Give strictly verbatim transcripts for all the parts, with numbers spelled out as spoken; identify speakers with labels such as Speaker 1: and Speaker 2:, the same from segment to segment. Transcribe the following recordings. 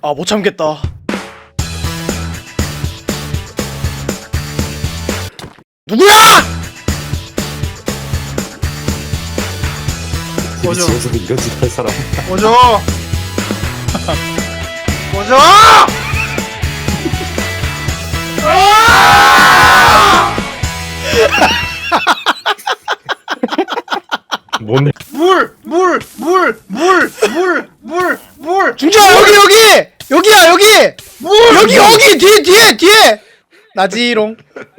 Speaker 1: 아, 못 참겠다. 누구야?
Speaker 2: 꺼져.
Speaker 3: 집에서도 이런 짓 할 사람.
Speaker 2: 꺼져. 꺼져.
Speaker 3: 뭔데?
Speaker 2: 물, 물, 물, 물, 물, 물, 물.
Speaker 1: 중지야, 여기 여기 여기야 여기
Speaker 2: 물.
Speaker 1: 여기 여기 뒤에 뒤에 뒤에 나지롱.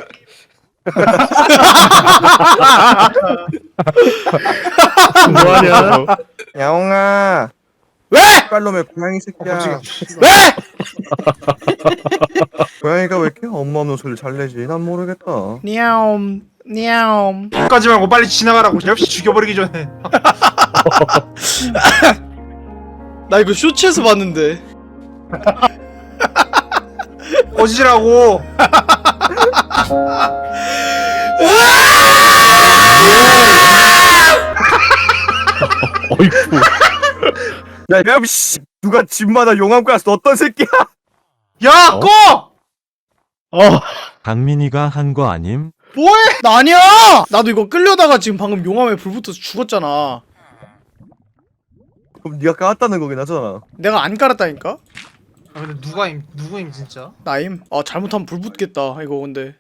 Speaker 3: 뭐하냐?
Speaker 4: 야옹아
Speaker 1: 왜?
Speaker 4: 빨놈의 고양이 새끼야.
Speaker 2: 깜짝이야.
Speaker 1: 왜?
Speaker 4: 고양이가 왜 이렇게 엄마 없는 소리를 잘 내지? 난 모르겠다.
Speaker 1: 냐옴 냐옴.
Speaker 2: 까지 말고 빨리 지나가라고. 역시 죽여버리기 전에.
Speaker 1: 나 이거 쇼츠에서 봤는데.
Speaker 2: 꺼지라고.
Speaker 3: 어이쿠.
Speaker 4: 야, 야, 씨, 누가 집마다 용암 가스 어떤 새끼야?
Speaker 2: 야,
Speaker 3: 어?
Speaker 2: 꺼.
Speaker 3: 어.
Speaker 5: 강민이가 한 거 아님?
Speaker 2: 뭐해?
Speaker 1: 나 아니야. 나도 이거 끌려다가 지금 방금 용암에 불 붙어서 죽었잖아.
Speaker 4: 그럼 네가 까왔다는 거긴 하잖아.
Speaker 1: 내가 안 깔았다니까.
Speaker 2: 아, 근데 누가 임, 누구임 진짜?
Speaker 1: 나임. 아, 잘못하면 불 붙겠다. 이거 근데.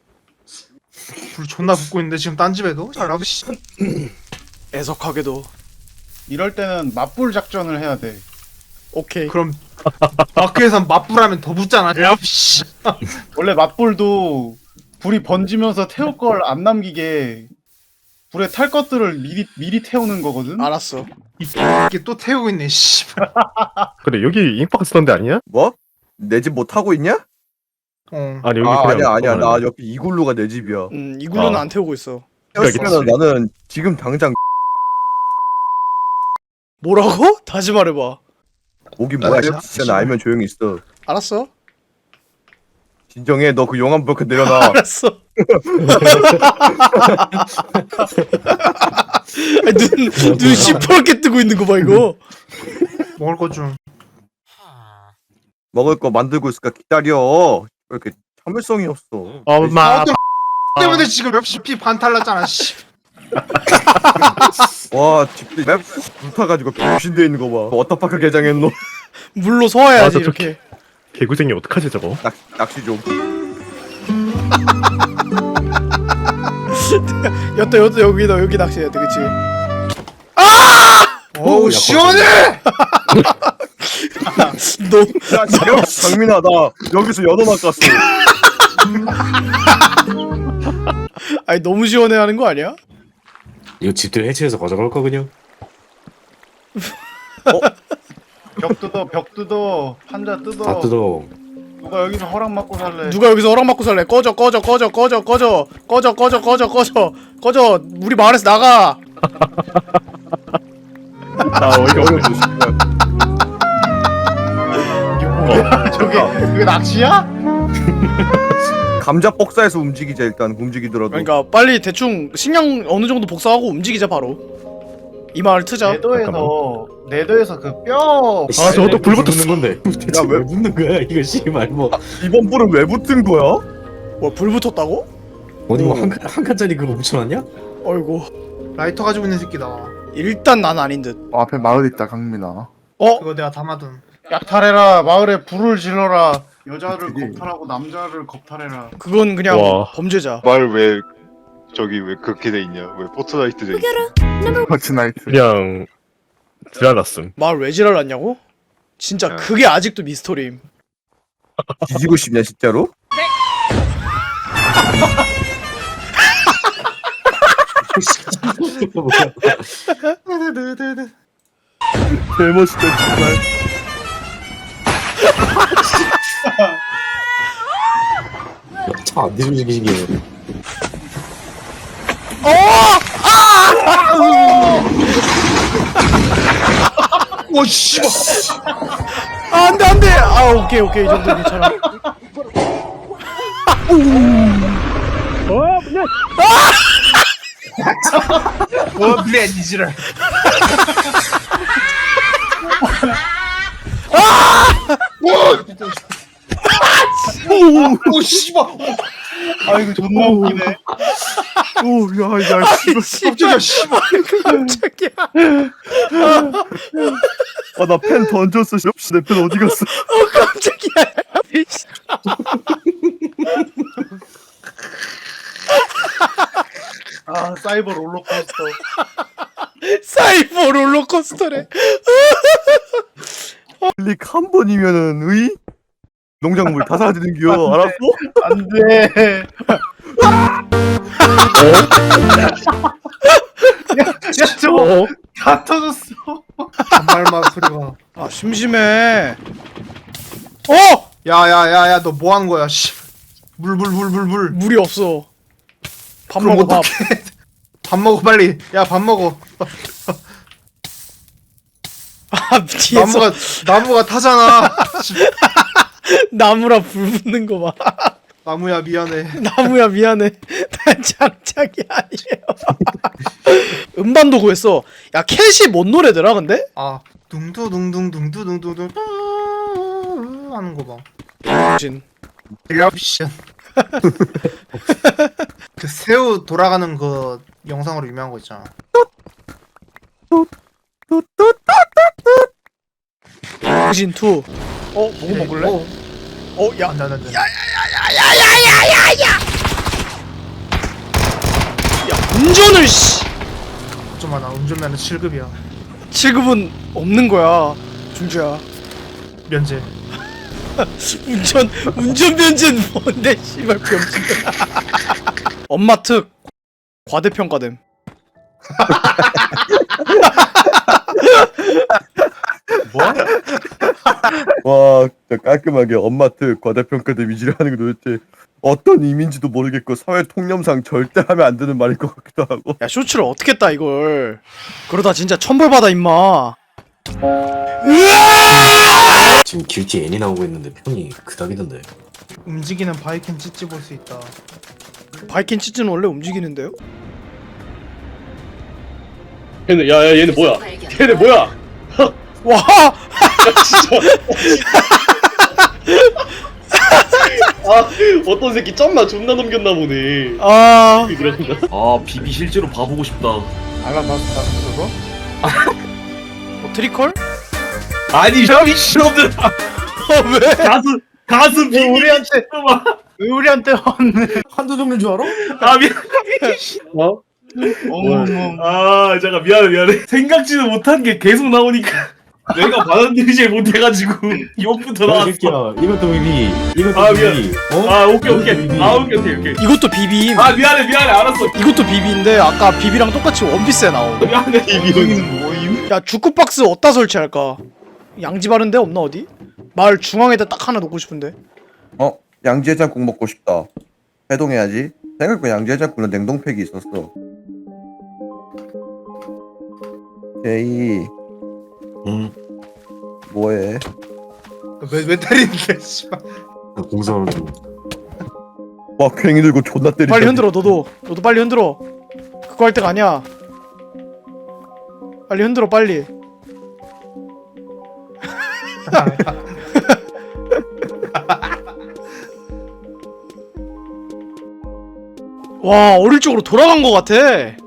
Speaker 2: 불 존나 붙고 있는데 지금 딴 집에도? 잘하고 씨.
Speaker 1: 애석하게도.
Speaker 6: 이럴 때는 맞불 작전을 해야 돼.
Speaker 1: 오케이.
Speaker 2: 그럼 마크에선 맞불하면 더 붙잖아. 야, 씨.
Speaker 6: 원래 맞불도 불이 번지면서 태울 걸 안 남기게 불에 탈 것들을 미리 미리 태우는 거거든.
Speaker 1: 알았어.
Speaker 2: 이게 또 태우고 있네. 씨.
Speaker 3: 그래 여기 임박스 던데 아니야?
Speaker 4: 뭐? 내 집 못 타고 있냐?
Speaker 2: 어.
Speaker 3: 아니 여기
Speaker 4: 아,
Speaker 3: 그냥.
Speaker 4: 아니야, 아니야.
Speaker 3: 어,
Speaker 4: 나 옆에 이글루가 내 집이야.
Speaker 1: 음, 이글루는
Speaker 3: 아.
Speaker 1: 안 태우고 있어.
Speaker 4: 태웠으면 나는 지금 당장
Speaker 1: 뭐라고? 다시 말해봐.
Speaker 4: 목이 뭐야?
Speaker 2: 알았어.
Speaker 4: 진짜 나 알면 조용히 있어.
Speaker 1: 알았어.
Speaker 4: 진정해. 너 그 용암 블록 내려놔.
Speaker 1: 알았어. 아니, 눈, 눈 시퍼렇게 뜨고 있는 거 봐, 이거.
Speaker 2: 먹을 것 좀.
Speaker 4: 먹을 거 만들고 있을까 기다려. 왜 이렇게 참을성이 없어.
Speaker 3: 엄마.
Speaker 2: 때문에 지금 역시 피 반탈났잖아. 씨.
Speaker 4: 와, 집들이 맵 불타가지고 병신돼 있는 거 봐. 워터파크 개장했노.
Speaker 1: 물로 소화해야지,
Speaker 3: 아, 저
Speaker 1: 이렇게.
Speaker 3: 개구쟁이 어떡하지 저거?
Speaker 4: 낚, 낚시 좀.
Speaker 1: 여태, 여태, 여기다, 여기 낚시해야 돼, 그치?
Speaker 2: 어우 시원해.
Speaker 1: 너,
Speaker 4: 야, 장- 장민아, 나 여기서 연어 낚았어.
Speaker 1: 아니, 너무 시원해 하는 거 아니야?
Speaker 3: 이거 집들 해체해서 가져갈 거 그냥?
Speaker 6: 벽 뜯어, 벽 뜯어, 판자 뜯어.
Speaker 3: 다 뜯어.
Speaker 6: 누가 여기서 허락 받고 살래?
Speaker 1: 누가 여기서 허락 받고 살래? 꺼져, 꺼져, 꺼져, 꺼져, 꺼져, 꺼져, 꺼져, 꺼져, 꺼져, 꺼져, 우리 마을에서 나가!
Speaker 3: 나 어이가 없네.
Speaker 6: 저게 그게 낚시야?
Speaker 4: 감자 복사해서 움직이자. 일단 움직이더라도.
Speaker 1: 그러니까, 빨리 대충 식량 어느 정도 복사하고 움직이자, 바로. 이 마을 트자.
Speaker 6: 네더에서 네더에서 그 뼈.
Speaker 3: 아 저것도 불 붙었어.
Speaker 7: 건데. 대체
Speaker 4: 야, 왜-
Speaker 7: 왜 붙는 거야? 이거 씨발 뭐
Speaker 4: 이번 불은 왜 붙은 거야?
Speaker 1: 뭐, 불 붙었다고?
Speaker 7: 어디 뭐한 칸, 한 칸짜리 그거 붙여놨냐?
Speaker 1: 어이구.
Speaker 2: 라이터 가지고 있는 새끼다.
Speaker 1: 일단 난 아닌 듯.
Speaker 8: 어, 앞에 마을 있다 강민아.
Speaker 1: 어?
Speaker 2: 그거 내가 담아둔.
Speaker 6: 약탈해라. 마을에 불을 질러라. 여자를 겁탈하고 남자를 겁탈해라.
Speaker 1: 그건 그냥
Speaker 3: 와.
Speaker 1: 범죄자.
Speaker 9: 말 왜 저기 왜 그렇게 돼 있냐? 왜 포트나이트 돼 있냐?
Speaker 8: 퍼치나이트.
Speaker 3: 그냥 지랄났음.
Speaker 1: 마을 왜 지랄났냐고? 진짜
Speaker 9: 야.
Speaker 1: 그게 아직도 미스터리임.
Speaker 4: 뒤지고 싶냐 진짜로? 개멋있다 정말.
Speaker 7: 차안 뒤집어지게.
Speaker 2: 오 씨발.
Speaker 1: 아, 안 돼, 안 돼! 아, 오케이, 오케이. 이 정도 괜찮아.
Speaker 2: 뭐 블랙 이지랄. 오 씨발.
Speaker 6: 아 이거 존나 웃기네.
Speaker 4: 오야야
Speaker 2: 깜짝이야 씨발.
Speaker 1: 깜짝이야.
Speaker 4: 아나 펜 던졌어. 씨, 내 펜 어디 갔어?
Speaker 1: 어 깜짝이야.
Speaker 6: 아 사이버 롤러코스터.
Speaker 1: 사이버 롤러코스터래.
Speaker 4: 클릭 한 번이면은 의 농작물 다 사라지는 기요. 알았어?
Speaker 6: 안돼. 야 저거 다 터졌어.
Speaker 2: 단말만 소리가.
Speaker 1: 아 심심해. 어
Speaker 2: 야야야야 너 뭐 하는 거야? 씨. 물 물 물 물 물.
Speaker 1: 물이 없어. 밥
Speaker 2: 그럼
Speaker 1: 먹어 밥.
Speaker 2: 어떡해. 밥 먹어 빨리. 야 밥 먹어.
Speaker 1: 아 뒤에서
Speaker 2: 나무가 나무가 타잖아.
Speaker 1: 나무라 불 붙는 거 봐.
Speaker 2: 나무야 미안해.
Speaker 1: 나무야 미안해. 난 장착이 아니에요. 음반도 구했어. 야 캣이 뭔 노래더라 근데?
Speaker 2: 아 둥두둥둥둥두둥둥둥 하는 거 봐.
Speaker 1: 진.
Speaker 2: 미션. 그 새우 돌아가는 거 영상으로 유명한 거 있잖아.
Speaker 1: 진 투. 어 뭐 먹을래?
Speaker 2: 어,
Speaker 1: 어 야.
Speaker 2: 안돼 안돼 안돼.
Speaker 1: 야 운전을 씨.
Speaker 2: 좀 하나 운전면허 칠 급이야.
Speaker 1: 칠 급은 없는 거야. 중주야.
Speaker 2: 면제.
Speaker 1: 운전 운전 면제는 뭔데 씨발 병신들. 엄마 특 과대평가됨.
Speaker 4: 와 진짜 깔끔하게 엄마트 과대평가대 위지를 하는 게 도대체 어떤 의미인지도 모르겠고 사회 통념상 절대 하면 안 되는 말일 것 같기도 하고.
Speaker 1: 야 쇼츠를 어떻게 따 이걸. 그러다 진짜 천벌 받아 임마.
Speaker 7: 지금 길티 N이 나오고 있는데 평이 그닥이던데.
Speaker 2: 움직이는 바이킹 찌찌 볼 수 있다.
Speaker 1: 바이킹 치즈는 원래 움직이는데요?
Speaker 3: 얘네 야야 얘네 뭐야? 얘네 뭐야?
Speaker 1: 와!
Speaker 3: 아 어떤 새끼 짬나 존나 넘겼나 보네.
Speaker 1: 아,
Speaker 3: 아 비비 실제로 봐보고 싶다.
Speaker 6: 알람 봤어 그거?
Speaker 1: 뭐 트리컬?
Speaker 3: 아니 저 미친놈들
Speaker 1: 어, 왜?
Speaker 3: 가슴 가슴
Speaker 6: 왜
Speaker 3: 비비
Speaker 6: 우리한테 왜 우리한테 왔네?
Speaker 7: 한두 종류인 줄 알아?
Speaker 3: 아 미안. 어?
Speaker 6: 어머머.
Speaker 3: 아 잠깐 미안해 미안해. 생각지도 못한 게 계속 나오니까 내가 받아들이지 못해가지고 이것부터
Speaker 7: 야, 이
Speaker 3: 나왔어.
Speaker 7: 새끼야 이것도 비비 이것도
Speaker 3: 아,
Speaker 7: 비비 어?
Speaker 3: 아 오케이 오케이.
Speaker 7: 비비.
Speaker 3: 아 오케이 오케이 오케이.
Speaker 1: 이것도 비비임.
Speaker 3: 아 미안해 미안해 알았어.
Speaker 1: 이것도 비비인데 아까 비비랑 똑같이 원피스에 나오.
Speaker 3: 미안해.
Speaker 6: 이거는 뭐임?
Speaker 1: 야 주크박스 어디다 설치할까? 양지 바른 데 없나 어디? 마을 중앙에다 딱 하나 놓고 싶은데.
Speaker 8: 어? 양지해장국 먹고 싶다. 해동해야지. 생각보다 양지해장국은 냉동팩이 있었어. 제이
Speaker 7: 응
Speaker 8: 뭐해?
Speaker 2: 왜 왜 때리는데 씨발.
Speaker 7: 공사하는 중.
Speaker 4: 와 괭이 들고 존나 때리자.
Speaker 1: 빨리 흔들어 너도. 너도 빨리 흔들어. 그거 할 때가 아니야. 빨리 흔들어 빨리. 와 어릴 적으로 돌아간 것 같아.